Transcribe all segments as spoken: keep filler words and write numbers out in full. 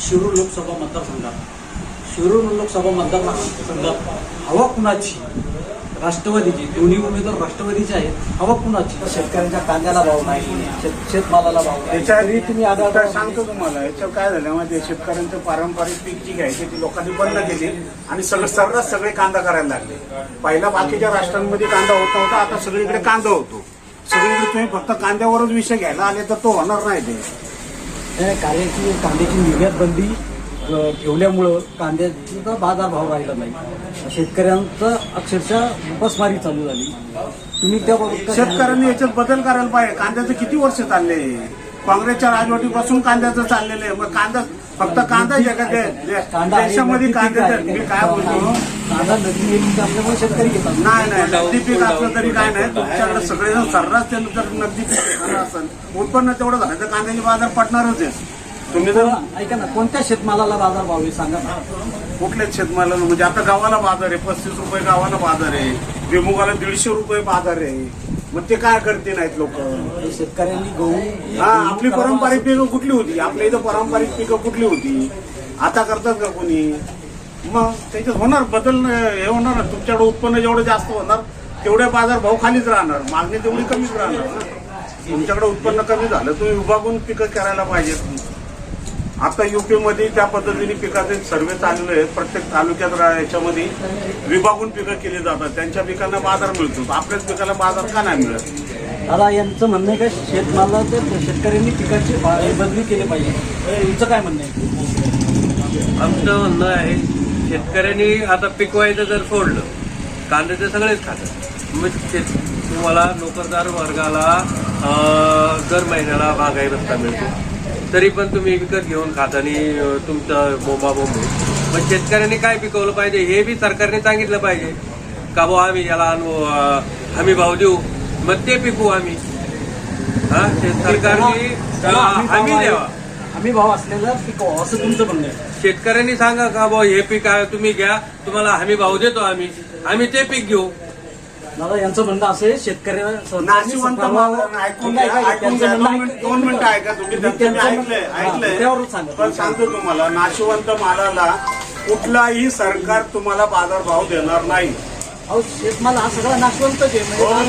शिरूर लोकसभा मतदारसंघात शिरूर लोकसभा मतदारसंघात हवा कुणाची? राष्ट्रवादीची. दोन्ही उमेदवार राष्ट्रवादीचे आहेत. हवा कुणाची? शेतकऱ्यांच्या कांद्याला भाव नाही, शेत शेतमालाला भाव नाही. त्याच्याआधी तुम्ही आता सांगतो तुम्हाला याच्यावर काय झालं माहिती, शेतकऱ्यांचं पारंपरिक पीक जी घ्यायची ती लोकांनी बंद केली आणि सगळं सर्रास सगळे कांदा करायला लागले. पहिला बाकीच्या राष्ट्रांमध्ये कांदा होत नव्हता, आता सगळीकडे कांदा होतो. सगळीकडे तुम्ही फक्त कांद्यावरच विषय घ्यायला आले तर तो होणार नाही. ते कार्याची कांद्याची निर्यात बंदी ठेवल्यामुळं कांद्याचा बाजारभाव राहिला नाही. शेतकऱ्यांचं अक्षरशः उपासमारी चालू झाली. तुम्ही त्याबाबत शेतकऱ्यांनी याच्यात बदल करायला पाहिजे. कांद्याचं किती वर्ष चालले, काँग्रेसच्या राजवटीपासून कांद्याचं चाललेलं आहे. मग कांदा फक्त कांदा जगात देशामध्ये कांदा मी काय बोलतो, कांदा नदी पीक असल्यामुळे शेतकरी घेतात. नाही नाही नगदी पीक असलं तरी काय नाही. तुमच्याकडे सगळेजण सर्रास त्यानं जर नगदी पीक घेणार असेल, उत्पन्न तेवढं झालं तर कांद्याचे बाजार पडणारच आहे. तुम्ही जर ऐका ना, कोणत्या शेतमालाला बाजार भाव आहे सांगा ना. कुठल्याच शेतमालाला, म्हणजे आता गावाला बाजार आहे, पस्तीस रुपये गावाला बाजार आहे, विमुगाला दीडशे रुपये बाजार आहे. मग ते काय करते नाहीत लोक. शेतकऱ्यांनी गहू, हा आपली पारंपरिक पिकं कुठली होती, आपल्या इथं पारंपरिक पिकं कुठली होती, आता करतात का कोणी? मग त्याच्यात होणार बदल, हे होणार. तुमच्याकडे उत्पन्न जेवढं जास्त होणार तेवढे बाजार भाव खालीच राहणार, मागणी तेवढी कमीच राहणार ना. तुमच्याकडे उत्पन्न कमी झालं तुम्ही विभागून पिकं करायला पाहिजेत. आता युपी मध्ये त्या पद्धतीने पिकाचे सर्वे चालले आहेत. प्रत्येक तालुक्यात याच्यामध्ये विभागून पिकं केली जातात. त्यांच्या पिकांना बाजार मिळतो, आपल्याच पिकाला बाजार का नाही मिळत? दादा यांचं म्हणणं आहे का शेतमाला तर शेतकऱ्यांनी पिकाची बदली केली पाहिजे. तुमचं काय म्हणणं आहे? आमचं म्हणणं आहे शेतकऱ्यांनी आता पिकवायचं जर सोडलं, कांद्याचे सगळेच खातात. मग शेत तुम्हाला नोकरदार वर्गाला दर महिन्याला महागाई भत्ता मिळतो, तरी पण तुम्ही विकत घेऊन खाता आणि तुमचं बोंबाबोंब. पण शेतकऱ्यांनी काय पिकवलं पाहिजे हे बी सरकारने सांगितलं पाहिजे का बुवा आम्ही याला आणू हमी भाव देऊ, मग ते पिकवू आम्ही. हा सरकारने हमी द्यावा, हमी भाव असलेला पिकवा असं तुमचं म्हणणं आहे. शेतकऱ्यांनी सांगा का बुवा हे पीक तुम्ही घ्या, तुम्हाला हमी भाव देतो आम्ही, आम्ही ते पीक घेऊ. दादा यांचं म्हणणं असं आहे शेतकऱ्यांना नाशिवंत माल ऐकून घ्या, ऐकून घ्या. दोन मिनिट दोन मिनिटं ऐका तुम्ही. ऐकलंय ऐकलंय पण सांगतो तुम्हाला, नाशिवंत मालाला कुठलाही सरकार तुम्हाला बाजारभाव देणार नाही. अहो शेतमाल हा सगळा नाशवंतच आहे.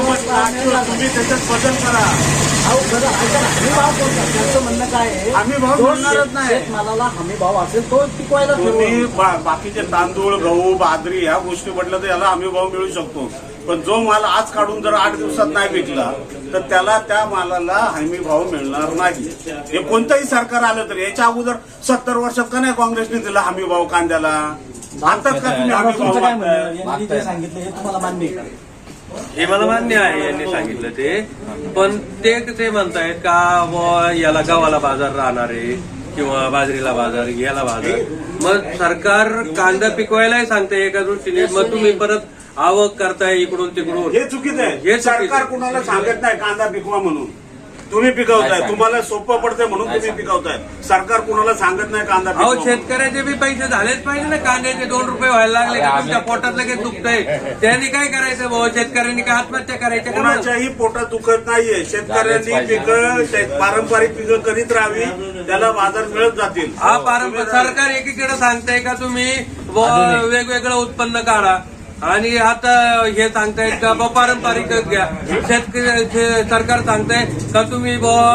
तुम्ही त्याच्यात बदल करा. अहो बरं ऐका ना, हमी भाव कोणता? त्यांचं म्हणणं काय आहे, हमी भाव मिळणारच नाही. शेतमालाला हमी भाव असेल तो पिकवायला तुम्ही बाकीचे तांदूळ गहू बाजरी ह्या गोष्टी म्हटलं तर याला हमी भाव मिळू शकतो. पण जो माल आज काढून जर आठ दिवसात नाही विकला तर त्याला त्या मालाला हमी भाव मिळणार नाही. हे कोणतंही सरकार आलं तरी. याच्या अगोदर सत्तर वर्षात का नाही काँग्रेसने दिला हमी भाव कांद्याला? आणतात का तुम्ही हमी तुमचं काय भाव? म्हणणं? यांनी जे सांगितलं हे तुम्हाला मान्य आहे का? हे मला मान्य आहे यांनी सांगितलं ते, पण ते ते म्हणतायत का बुवा याला गव्हाला बाजार राहणार आहे किंवा बाजरीला बाजार, याला बाजार. मग सरकार कांदा पिकवायलाही सांगते एका दृष्टीने, मग तुम्ही परत आवक करताय इकडून तिकडून. हे चुकीचं आहे. हे सरकार कुणाला सांगत नाही कांदा पिकवा म्हणून. तुम्ही पिकवताय, तुम्हाला सोपं पडतंय म्हणून तुम्ही पिकवताय. सरकार कुणाला सांगत नाही कांदा अहो पिकवा. शेतकऱ्याचे बी पैसे झालेच पाहिजे ना. कांद्याचे दोन रुपये व्हायला लागले का तुमच्या पोटात लगेच दुखतंय. त्यांनी काय करायचं भाऊ? शेतकऱ्यांनी काय आत्महत्या करायच्या का? कोणाच्याही पोटात दुखत नाहीये. शेतकऱ्यांनी पिकं पारंपरिक पिकं करीत राहावी, त्याला बाजार मिळत जातील. हा पारंपरिक सरकार एकीकडे सांगताय का तुम्ही बुवा वेगवेगळं उत्पन्न काढा, आणि आता हे सांगतायत का बुवा पारंपरिक घ्या. शेतकरी सरकार सांगताय का तुम्ही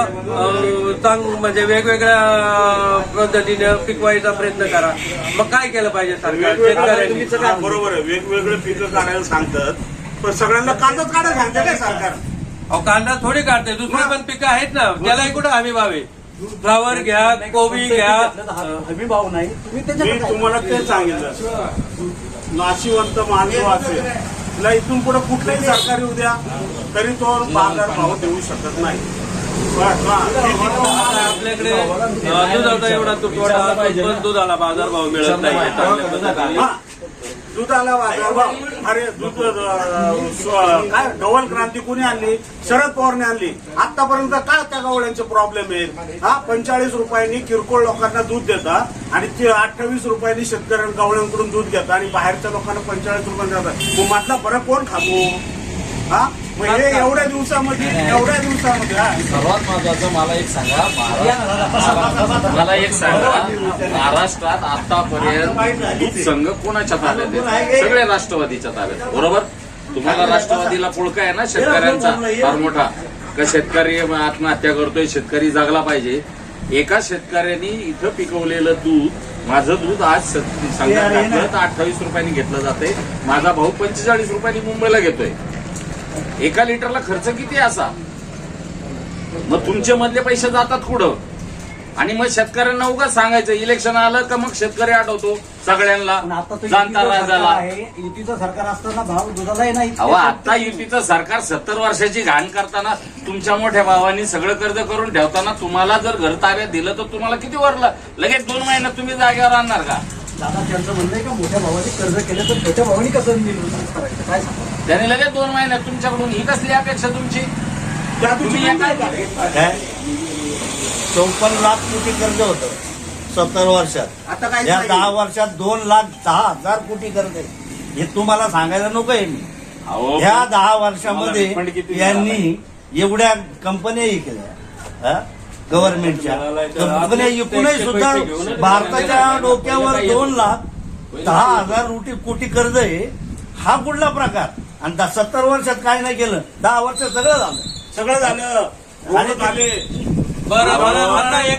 बुवा चांग म्हणजे वेगवेगळ्या पद्धतीने पिकवायचा प्रयत्न करा. मग काय केलं पाहिजे सरकार? शेतकऱ्यांनी बरोबर आहे, वेगवेगळे पिकं काढायला सांगतात, पण सगळ्यांना कांदाच काढायला सांगते काय सरकार? अहो कांदा थोडी काढते, दुसरे पण पिकं आहेत ना, त्यालाही कुठं हमी भाव आहे. फ्लावर घ्या, कोबी घ्या, हमी भाव नाही. तुम्ही मी त्याच्यात तुम्हाला ते सांगितलं, नाशिवंत मानव असेल तिला इथून पुढे कुठलंही सरकारी उद्या तरी तो बाजार भाव देऊ शकत नाही. आपल्याकडे दुधाचा एवढा तुटवडा, पण दुधाला बाजार भाव मिळत नाही. दुधाला बाजारभाव, अरे दूध काय ढवळ क्रांती कोणी आणली? शरद पवारने आणली. आतापर्यंत काय त्या गवळ्यांचे प्रॉब्लेम आहेत? हा पंचेचाळीस रुपयांनी किरकोळ लोकांना दूध देतात आणि ते अठ्ठावीस रुपयांनी शेतकऱ्यांना गवळ्यांकडून दूध घेतात आणि बाहेरच्या लोकांना पंचेचाळीस रुपयांनी देतात. मग म्हटलं बरं कोण खातो? हा मग हे एवढ्या दिवसामध्ये एवढ्या दिवसामध्ये हा. सर्वात महत्वाचं मला एक सांगा महाराष्ट्र मला एक सांगा महाराष्ट्रात आतापर्यंत दूध संघ कोणाच्या ताब्यात आहे? सगळे राष्ट्रवादीच्या ताब्यात, बरोबर? तुम्हाला राष्ट्रवादीला पुळका आहे ना शेतकऱ्यांचा फार मोठा, का शेतकरी आत्महत्या करतोय, शेतकरी जगला पाहिजे. एका शेतकऱ्यांनी इथं पिकवलेलं दूध, माझं दूध आज संघात घातलं तर अठ्ठावीस रुपयांनी घेतलं जाते, माझा भाऊ पंचेचाळीस रुपयांनी मुंबईला घेतोय. एका लिटरला खर्च किती असा? मग तुमचे मधले पैसे जातात कुठं? आणि मग शेतकऱ्यांना उगाच सांगायचं इलेक्शन आलं का मग शेतकरी आठवतो सगळ्यांना, पण आता तो जाणता युतीचं सरकार राजाला. आहे, युतीचं सरकार असताना भाव दुधालाही नाही. अहो आता युतीचं सरकार सत्तर वर्षाची घाण करताना तुमच्या मोठ्या भावांनी सगळं कर्ज करून ठेवताना तुम्हाला जर घर ताब्यात दिलं तर तुम्हाला किती वरलं? लगेच दोन महिन्यात तुम्ही जागेवर आणणार का? दादा त्यांचं म्हणणं आहे का मोठ्या भावाने कर्ज केलं तर छोट्या भावाने कसं निवडणूक करायचं, काय सांगा? त्याने लगेच दोन महिन्यात तुमच्याकडून ही कसली अपेक्षा तुमची? त्या तुम्ही दिवशी एका- काय? चौपन्न लाख कोटी कर्ज होतं सत्तर वर्षात. आता काय या नाही. दहा वर्षात दोन लाख दहा हजार कोटी कर्ज आहे. हे तुम्हाला सांगायला नको आहे मी. अहो, ह्या दहा तुम्हाला refund वर्षामध्ये किती यांनी एवढ्या कंपन्याही केल्या गव्हर्नमेंटच्या कंपन्या एकूणही सुद्धा भारताच्या डोक्यावर दोन लाख दहा हजार कोटी कोटी कर्ज आहे. हा कुठला प्रकार? आणि दहा- सत्तर वर्षात काय नाही केलं, दहा वर्षात सगळं झालं. सगळं झालं. आणि झाले बरं बरं आता एकच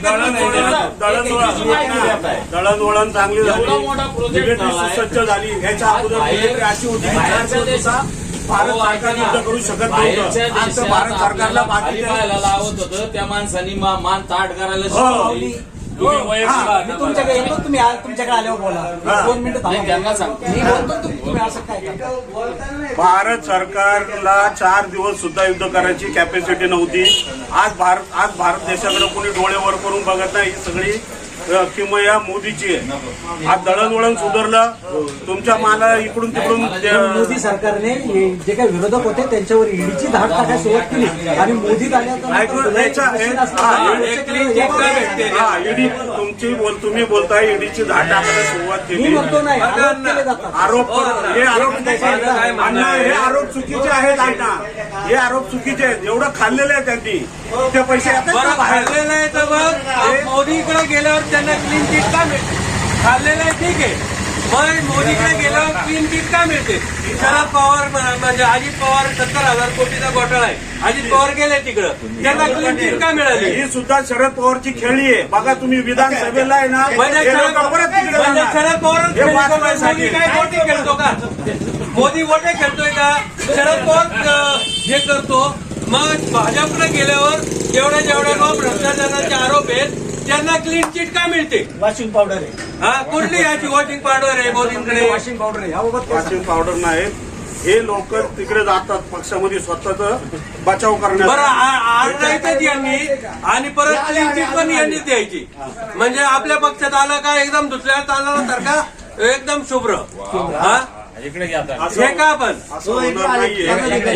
दळणवळण चांगली एवढा झाली, मोठा project मिलिटरी झालाय. सुसज्ज झाली. ह्याच्या अगोदर बाहेर- मिलिटरी अशी होती की बाहेरच्या चार दिवस देशात- भारत अहो, सरकार ऐका ना. युद्ध करू शकत बाहेरच्या नव्हतं. आज तर देशात भारत सरकारला आपल्याला खाली पाहायला बाकीच्या लावत होतं, त्या माणसांनी मा- मान ताट करायला हो. शिकवली. तुम्ही वयस्कर हा, आहात मी ना तुमच्याकडे बघा. येतो, तुम्ही आ- तुमच्याकडे आल्यावर बोला. हा. दोन मिनिटं नाही, थांबा. त्यांना सांगतो. मी बोलतो, तुम्ही तुम्ही असं काय करता? भारत सरकारला चार दिवस सुद्धा युद्ध करायची कॅपॅसिटी नव्हती. आज भारत आज भारत देशाकडे कोणी डोळे वर करून बघत नाही. ही सगळी अ, किमया मोदीची आहे. आज दळणवळण सुधारलं, तुमच्या माला इकडून तिकडून पण ते- मोदी सरकारने हे जे काही विरोधक होते त्यांच्यावर ईडीची धाड टाकायला सुरुवात केली आणि मोदी आल्यानंतर ऐकून याच्या- मशीन हा, असताना एक हे केलं. हा ईडी तुमची बोल तुम्ही बोलताय ईडीची धाड टाकायला सुरुवात मी केली. म्हणतो नाही, आरोप केले जातात. आरोप हे आरोप काय म्हणणं अण्णा, आहे? हे आरोप चुकीचे आहेत अण्णा. हे आरोप चुकीचे आहेत. एवढं खाल्लेलं आहे त्यांनी, ते पैसे येतात का बरं बाहेर? खाल्लेलं आहे तर मग मोदीकडे गेल्यावर त्यांना क्लीन चिट का मिळते? खाल्लेलं आहे ठीक आहे, मग मोदीकडे गेल्यावर क्लीन चिट का मिळते? शरद पवार म्ह- म्हणजे अजित पवार सत्तर हजार कोटीचा घोटाळा आहे, अजित पवार गेले तिकडं, त्यांना क्लीन चिट का मिळाली? ही सुद्धा शरद पवारची खेळी आहे. बघा तुम्ही विधानसभेला आहे ना, म्हणजे हे शरद लोकं परत तिकडे म्हणजे जाणार. शरद पवार हे वाचवायसाठी. मोदी काय गोटे खेळतो का? मोदी गोटे खेळतोय का? शरद पवार अं, हे करतो. मग भाजपकडे गेल्यावर जेवढ्या जेवढ्या लोक भ्रष्टाचाराचे आरोप आहेत त्यांना क्लीन चिट का मिळते? वॉशिंग पावडर आहे, हा कुठली याची वॉशिंग पावडर आहे मोदींकडे? वॉशिंग पावडर आहे. याबाबत काय वॉशिंग पावडर नाही. हे लोक तिकडे जातात पक्षामध्ये स्वतःच बचाव बरं करण्यासाठी. आ- आणायचंच यांनी आणि परत क्लीन चिट पण यांनीच द्यायची. म्हणजे आपल्या पक्षात आलं का एकदम दुसऱ्या तांदळासारखा एकदम शुभ्र. हा इकडे घ्या आता. असं- हे का पण असं होणार नाहीये.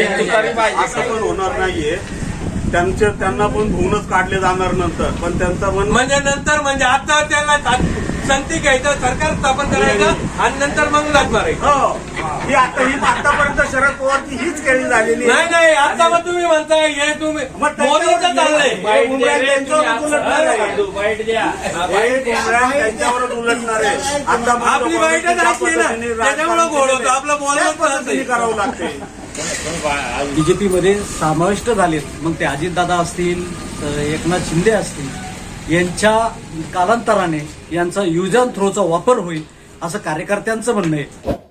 असं पण होणार नाहीये. त्यांचे त्यांना पण धुवूनच काढले जाणार नंतर, पण त्यांचा पण म्हणजे नंतर म्हणजे आता त्यांना संगती घ्यायचं, सरकार स्थापन करायचं आणि नंतर मग लाच मारायचं. हो, ही आता ही आतापर्यंत शरद पवारची हीच खेळी झालेली आहे. नाही नाही आता मग तुम्ही म्हणताय हे तुम्ही मग त्याच्यावर- मोदीचं चाललंय. हे उमऱ्यात त्यांच्यावरच उलटणार आहे. वाईट द्या. हे उमऱ्यात त्यांच्यावरच उलटणार आहे. आता मग आपली तो वाईटच ज्या असली ना, पद्धतीने त्याच्यामुळं घोळ होतो. आपलं बोलणं त्याच पण पद्धतीने असं. करावं लागते. बीजेपीमध्ये समाविष्ट झालेत, मग ते अजितदादा असतील, तर एकनाथ शिंदे असतील, यांच्या कालांतराने यांचा यूज अँड थ्रोचा वापर होईल असं कार्यकर्त्यांचं म्हणणं आहे.